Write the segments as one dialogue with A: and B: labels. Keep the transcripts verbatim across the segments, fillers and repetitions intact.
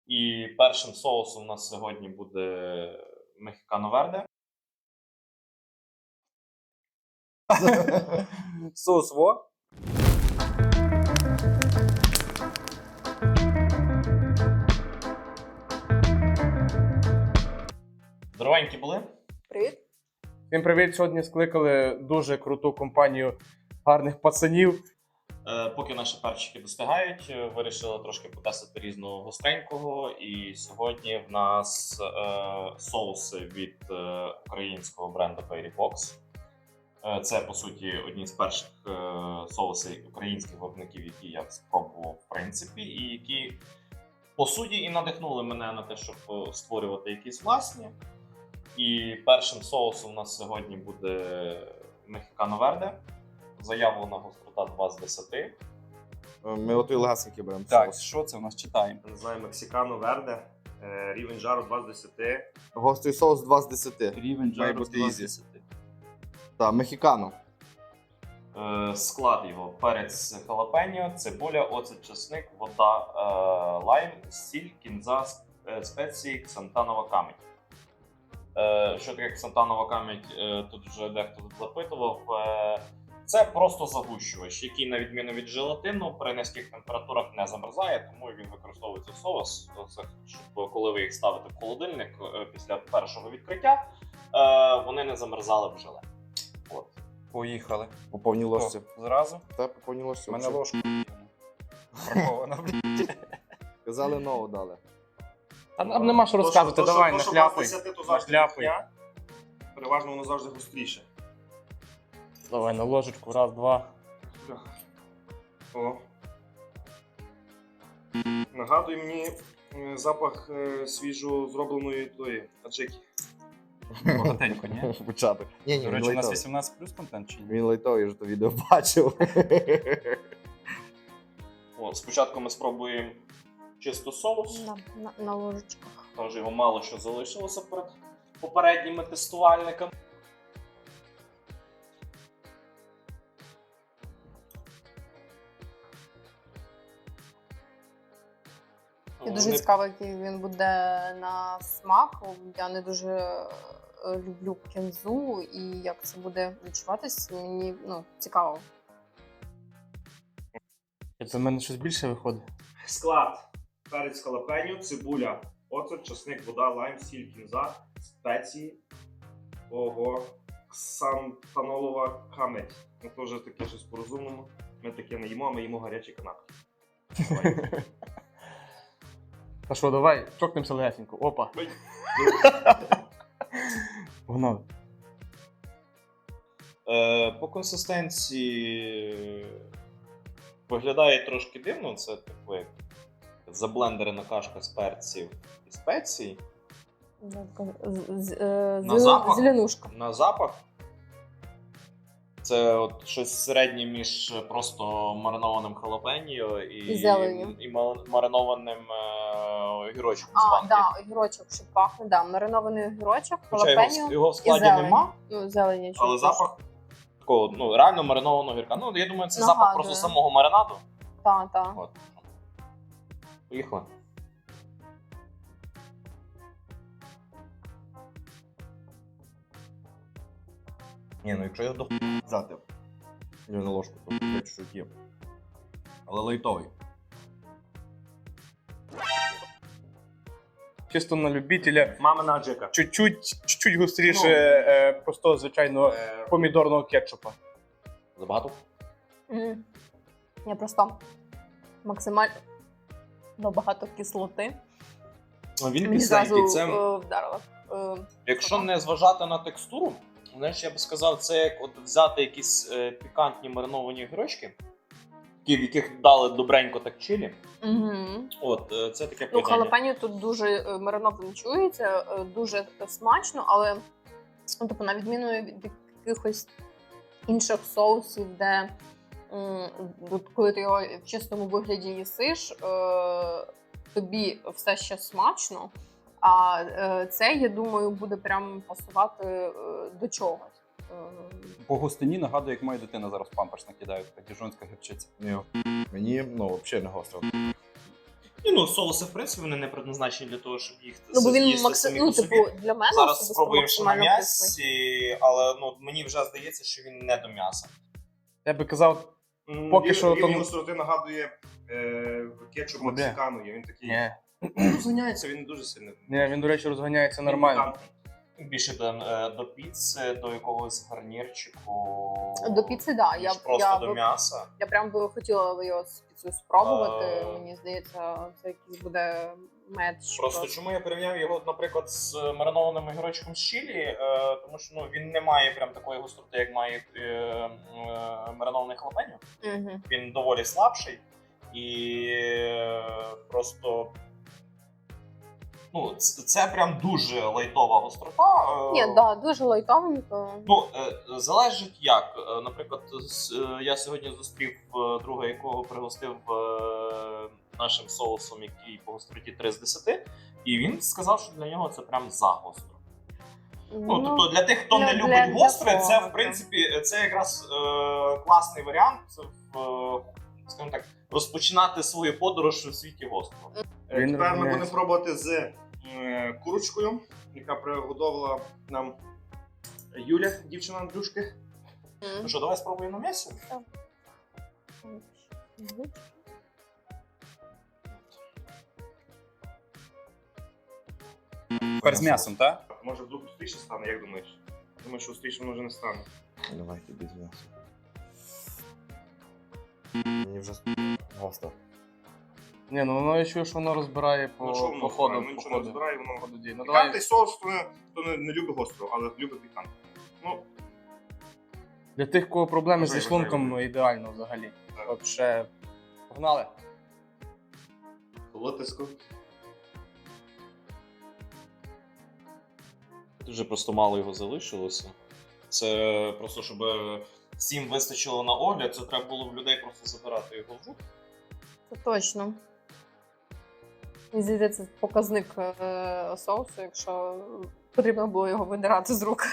A: І першим соусом у нас сьогодні буде мехікано верде.
B: Соус во.
A: Здоровенькі були?
C: Привіт.
B: Всім привіт! Сьогодні скликали дуже круту компанію гарних пацанів.
A: Е, поки наші перчики достигають, е, вирішили трошки потестити різного гостренького. І сьогодні в нас е, соуси від е, українського бренду Fairy Fox. Е, це, по суті, одні з перших е, соусів українських виробників, які я спробував в принципі, і які, по суті, і надихнули мене на те, щоб е, створювати якісь власні. І першим соусом у нас сьогодні буде мехікано верде. Заявлена гострота два з десяти.
D: Ми отой легасенький беремо
B: Так,
D: соус.
B: що це в нас читаємо?
E: Називаємо мексикано верде, е, рівень жару два з десяти.
D: Гострий соус два з десяти.
B: Рівень
D: Має
B: жару
D: бути
B: два з
D: ізі.
B: десяти.
D: Так, мехікано.
A: Е, Склад його: перець халапеньо, цибуля, оцет, чесник, вода, е, лайм, сіль, кінза, е, спеції, ксантанова камедь. Е, Що таке ксантанова камедь, е, тут вже дехто тут запитував. Е, Це просто загущувач, який, на відміну від желатину, при низьких температурах не замерзає, тому він використовується в соус, це, щоб коли ви їх ставите в холодильник е, після першого відкриття, е, вони не замерзали в желе. От.
B: Поїхали.
D: По повній ложці.
B: О, зразу?
D: Та по повній ложці.
B: У мене
D: взагалі.
B: ложка бракована.
D: Казали нову дали.
B: А нам нема що розказувати,
E: То, що-
B: давай,
E: то, що
B: нахляпуй.
E: два з десяти, то завжди
B: Нахляпуй.
E: брехня. Переважно воно завжди гостріше.
B: Давай на ложечку, раз, два.
E: О. Нагадує мені е, запах е, свіжо зробленої тої аджики.
B: Багатенько, ні?
D: Початок. Ні, ні,
B: До
D: він
B: речі, у нас
D: лайтовий.
B: вісімнадцять плюс контент чи ні?
D: Він лайтовий, я вже то відео бачив.
A: От, спочатку ми спробуємо чисто соус.
C: На, на, на ложечках.
A: Тож його мало що залишилося перед попередніми тестувальниками.
C: І дуже
A: Вони-
C: цікаво, який він буде на смак. Я не дуже е, люблю кінзу, і як це буде відчуватись, мені ну, цікаво.
B: Це в мене щось більше виходить.
E: Склад: перець халапеньо, цибуля, оцет, чесник, вода, лайм, сіль, кінза, спеції. Ого, ксантанолова камедь. Ми теж таке щось по-розумному. Ми таке не їмо, а ми їмо гарячі канапки.
B: Та що, давай, чокнемося легесенько. Опа.
E: Ой.
B: Погнали.
A: Е, по консистенції виглядає трошки дивно. Це типу як заблендерена кашка з перців і спецій.
C: З- з- е,
A: На
C: зелен-
A: запах?
C: Зеленушка.
A: На запах це от щось середнє між просто маринованим халапеньо і,
C: І зеленню.
A: і ма- маринованим е, огірочком з
C: А,
A: банки.
C: да, огірочок, що пахне, да, маринований огірочок,
A: Хоча його,
C: халапеньо
A: його в
C: і
A: складі
C: зелень.
A: нема,
C: Ну, зелені.
A: але запах такого, ну, реально маринованого огірка. Ну, я думаю, це запах
C: Нагадує.
A: просто самого маринаду.
C: Так, так.
A: От. Поїхали.
D: Ні, ну якщо я до взяти я на ложку, то я чуть-чуть є. Але лайтовий.
B: Чисто на любителя.
E: Мамина аджика.
B: Чуть-чуть, чуть-чуть гостріше
E: Ну.
B: е, просто, звичайно,
E: Е,
B: помідорного кетчупа.
A: Забагато?
C: Мгм. Я просто максимально багато кислоти.
A: Ну, він
C: Мені
A: кисленький.
C: зразу
A: Це,
C: е, вдарило. Е,
A: якщо не зважати на текстуру, знаєш, я би сказав, це як от взяти якісь е, пікантні мариновані огірочки, які, в яких дали добренько так чилі.
C: Мгм.
A: От, е, це таке
C: Ну,
A: поєднання.
C: халапеньо тут дуже е, мариновано чується, е, дуже смачно, але ну, типу, на відміну від якихось інших соусів, де м, от коли ти його в чистому вигляді їсиш, е, тобі все ще смачно, а е, це, я думаю, буде прям пасувати е, до чогось. Е,
F: По густині нагадує, як моя дитина зараз памперс накидає, така діжонська гірчиця.
D: Ні. Мені, ну, взагалі не гостро.
A: Ні, ну соуси, в принципі, вони не предназначені для того, щоб їх
C: Ну, бо він
A: їсти
C: максим...
A: самі
C: ну,
A: по собі.
C: типу, для мене
A: Зараз
C: особисто
A: спробуємо ще на
C: максимально кислий.
A: м'ясі, але ну, мені вже здається, що він не до м'яса.
B: Я би казав,
E: М,
B: Поки
E: він,
B: що
E: він
B: там-
E: гостроти нагадує е, кетчуп
B: Ну, де?
E: мексикану. Він такий
B: ні.
E: розганяється, він дуже сильно.
B: Ні, він, до речі, розганяється
E: Він
B: нормально.
E: пікантний.
A: Більше до, е, до піци, до якогось гарнірчику.
C: До піци, да.
A: ніж
C: Я,
A: просто
C: я,
A: до
C: би-
A: м'яса.
C: я прям би хотіла його з піцею спробувати.
A: Е.
C: Мені здається, це якийсь буде меч.
A: Просто чому я порівняв його, наприклад, з маринованим огірочком з чилі, е, тому що ну, він не має прям такої гостроти, як має е, е, маринований халапеньо.
C: Угу.
A: Він доволі слабший і е, просто. Ну, це, це прям дуже лайтова гострота. е,
C: Ні, да, дуже лайтовенько.
A: Ну, е, залежить як. Е, Наприклад, з- е, я сьогодні зустрів е, друга, якого пригостив е, нашим соусом, який по гостроті три з десяти, і він сказав, що для нього це прям загостро. Ну, тобто для тих, хто
C: для-
A: не
C: для-
A: любить
C: для
A: гостре,
C: кого,
A: це в
C: так.
A: принципі це якраз е, класний варіант, в, е, скажімо так, розпочинати свою подорож у світі гострого.
E: Е,
B: Він
E: Тепер ми
B: розганяється.
E: будемо пробувати з е, курочкою, яка приготувала нам Юля, дівчина Андрюшки.
A: Ну що, давай спробуємо на м'ясі?
F: Тепер з м'ясом, так?
E: Може вдруг густріше стане, як думаєш? Думаю, що густріше воно вже не стане.
D: Давай тобі з м'ясом. Мені вже гостро.
B: Ні, ну воно я чую, що воно розбирає по,
E: Ну що воно
B: по ходу.
E: розбирає? Ну,
B: по
E: нічого не
B: ходу.
E: розбирає, воно
B: По ходу дій. Ну,
E: Пікантний
B: давай,
E: соус, хто не, хто не, не любить гостро, але любить пікант. Ну,
B: для тих, кого проблеми
E: Вважаю,
B: зі шлунком,
E: вважаю.
B: ну, ідеально взагалі.
E: Так.
B: Вообще, погнали.
E: лотиску.
A: Дуже просто мало його залишилося. Це просто, щоб всім вистачило на огляд, це треба було в людей просто забирати його в рук.
C: Це точно. Мені здається, це показник е, соусу, якщо потрібно було його видирати з рук.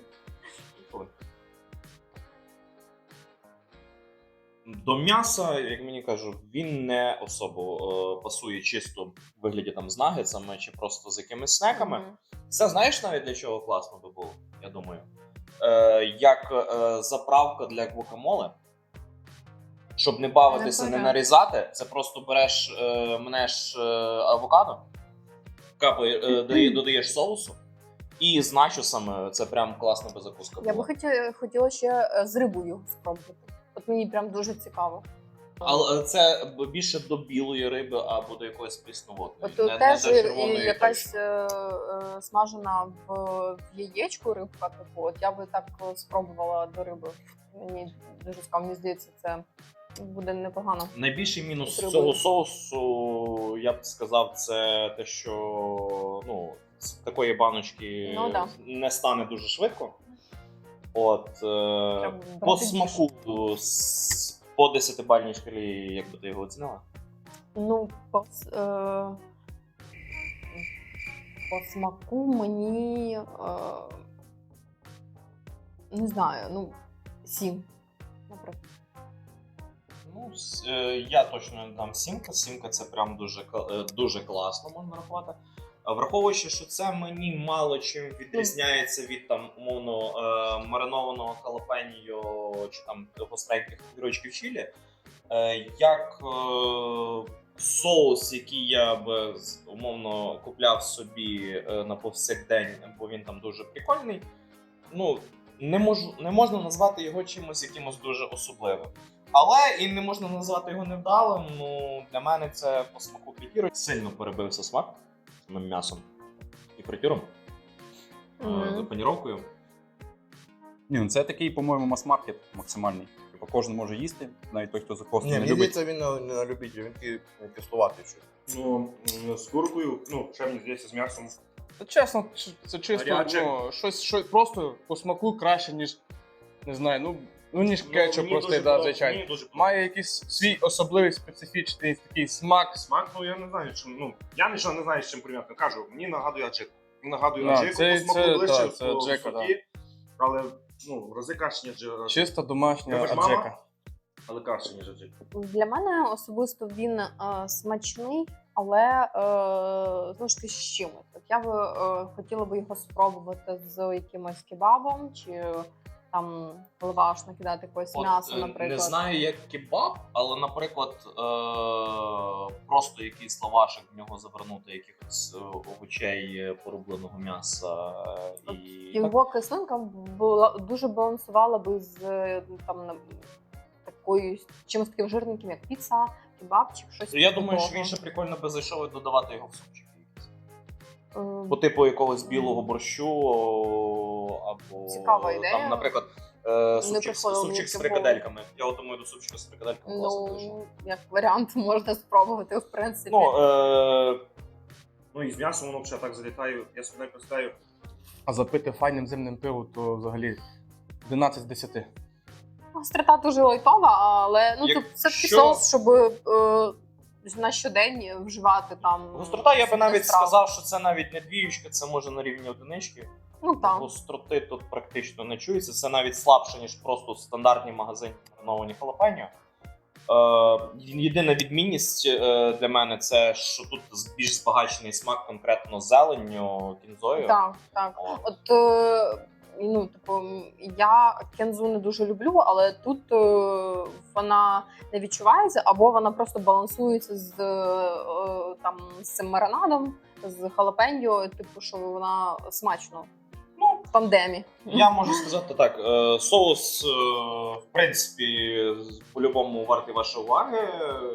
A: До м'яса, як мені кажуть, він не особо е, пасує чисто в вигляді там з нагетсами чи просто з якимись снеками.
C: Мгм.
A: Це знаєш навіть для чого класно би було, я думаю. Е, як е, заправка для гвакамоле. Щоб не бавитися, не
C: Непогано.
A: нарізати, це просто береш, е, мнеш е, авокадо, капає, е, додає- додаєш соусу, і з начосами це прям класна би закуска була.
C: Я би хотіла, хотіла ще е, з рибою його спробувати. От мені прям дуже цікаво.
A: Але це б- більше до білої риби або до якоїсь прісноводної.
C: От
A: не,
C: тут
A: не
C: теж
A: до
C: і
A: червоної
C: якась
A: точно.
C: е, е, смажена в, в яєчку рибка, типу, от я би так е, спробувала до риби. Мені дуже цікаво, мені здається, це буде непогано.
A: Найбільший мінус
C: З рибою.
A: цього соусу, я б сказав, це те, що ну, з такої баночки
C: Ну, да.
A: не стане дуже швидко. От, е,
C: Треба
A: по
C: брати
A: смаку с- по десятибальній шкалі, як би ти його оцінила?
C: Ну, по, с- е, по смаку мені е, не знаю, ну, сім, наприклад.
A: Ну, с- е, я точно не дам сімка. Сімка це прям дуже, кла- е, дуже класно, можна рахувати. А враховуючи, що це мені мало чим відрізняється від там умовно е, маринованого халапеньо чи там гостреньких огірочків чилі, е, як е, соус, який я б з- умовно купляв собі е, на повсякдень, бо він там дуже прикольний. Ну, не можу, не можна назвати його чимось якимось дуже особливим. Але і не можна назвати його невдалим. Ну, для мене це по смаку п'ятірок. Сильно перебився смак самим м'ясом і фритюром,
C: Мгм.
A: е, паніровкою.
F: Ні, ну це такий, по-моєму, мас-маркет максимальний. Типу, кожен може їсти, навіть той, хто за костю
D: Ні,
F: не
D: мені
F: любить.
D: здається, він не, не на любителя, він такий кислуватий щось.
E: Ну, м, з куркою, ну, ще мені здається, з м'ясом.
B: Та чесно, ч- це чисто
E: Гаряче.
B: ну, щось, щось просто по смаку краще, ніж не знаю, ну, ну ніж кетчуп
E: мені
B: простий,
E: дуже
B: да,
E: подоб-
B: звичайно.
E: мені дуже
B: Має якийсь свій особливий специфічний такий смак.
E: Смак, ну я не знаю, чим. Ну, я нічого не знаю, з чим порівняти. Кажу, мені нагадує аджику. Мені нагадує
B: Да,
E: аджику,
B: це-
E: по смаку
B: це,
E: ближче
B: да,
E: в
B: це
E: в
B: аджика,
E: суті, але ну, в рази краще, ніж аджика.
B: Чисто домашня
E: Тебе ж мама?
B: аджика.
E: Але краще, ніж аджика.
C: Для мене особисто він е, смачний, але е, знову ж таки з чимось. От я би е, хотіла би його спробувати з якимось кебабом, чи там лаваш накидати якогось м'яса,
A: е,
C: наприклад.
A: Не знаю, як кебаб, але, наприклад, е- просто якийсь лавашик в нього завернути якихось е, овочей, е, порубленого м'яса е, і так.
C: Його кислинка була дуже балансувала би з е, там на- такою чимось таким жирненьким, як піца, кебабчик, щось.
A: Я думаю, що
C: такого.
A: він ще прикольно би зайшов і додавати його в супчик.
C: Е,
A: По типу якогось білого борщу о, або
C: Цікава ідея.
A: там, наприклад, е, супчик,
C: приходило
A: супчик
C: мені
A: з
C: в
A: фрикадельками. Я от думаю, до супчика з фрикадельками класно дуже.
C: Ну, як варіант, можна спробувати, в принципі.
E: Ну, е, ну і з м'ясом воно взагалі так залітає. Я собі не представляю.
B: А запити файним зимним пивом, то взагалі одинадцять з десяти.
C: Гострота дуже лайтова, але ну, тут це такий
A: Якщо-
C: соус, щоб е, на щодень вживати там.
A: Гострота, я би навіть
C: страв.
A: сказав, що це навіть не двіючка, це може на рівні одинички.
C: Ну так.
A: Гостроти тут практично не чується. Це навіть слабше, ніж просто стандартні магазинні мариновані халапеньо. Е, єдина відмінність е, для мене це, що тут більш збагачений смак конкретно зеленню, кінзою.
C: Так, так.
A: О.
C: От е, ну, типу, я кензу не дуже люблю, але тут е, вона не відчувається, або вона просто балансується з е, там з цим маринадом, з халапеньо, типу, що вона смачно.
A: Ну,
C: В тандемі.
A: я можу сказати так: е, соус, е, в принципі, з- по-любому вартий вашої уваги.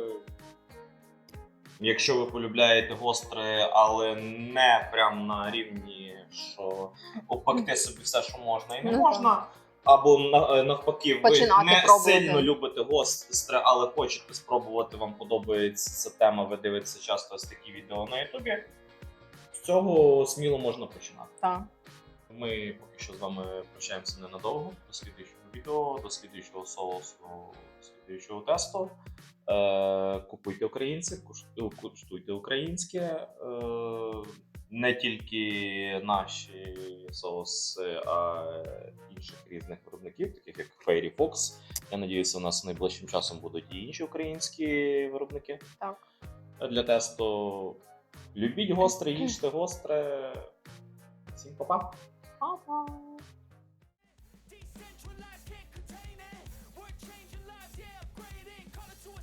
A: Якщо ви полюбляєте гостре, але не прям на рівні, що обпекти собі все, що можна і не
C: Ну,
A: можна. Або на- е, навпаки, ви
C: Починати
A: не
C: пробувати.
A: сильно любите гостре, але хочете спробувати, вам подобається ця тема, ви дивитеся часто ось такі відео на Ютубі. З цього сміло можна починати.
C: Так.
A: Ми поки що з вами прощаємося ненадовго. До слідуючого відео, до слідуючого соусу, до слідуючого тесту. Е, купуйте українське, куш- куштуйте українське. Е, не тільки наші соуси, а інших різних виробників, таких як Fairy Fox. Я надіюся, у нас найближчим часом будуть і інші українські виробники
C: Так.
A: для тесту. Любіть гостре, їжте гостре. Всім па-па!
C: Па-па.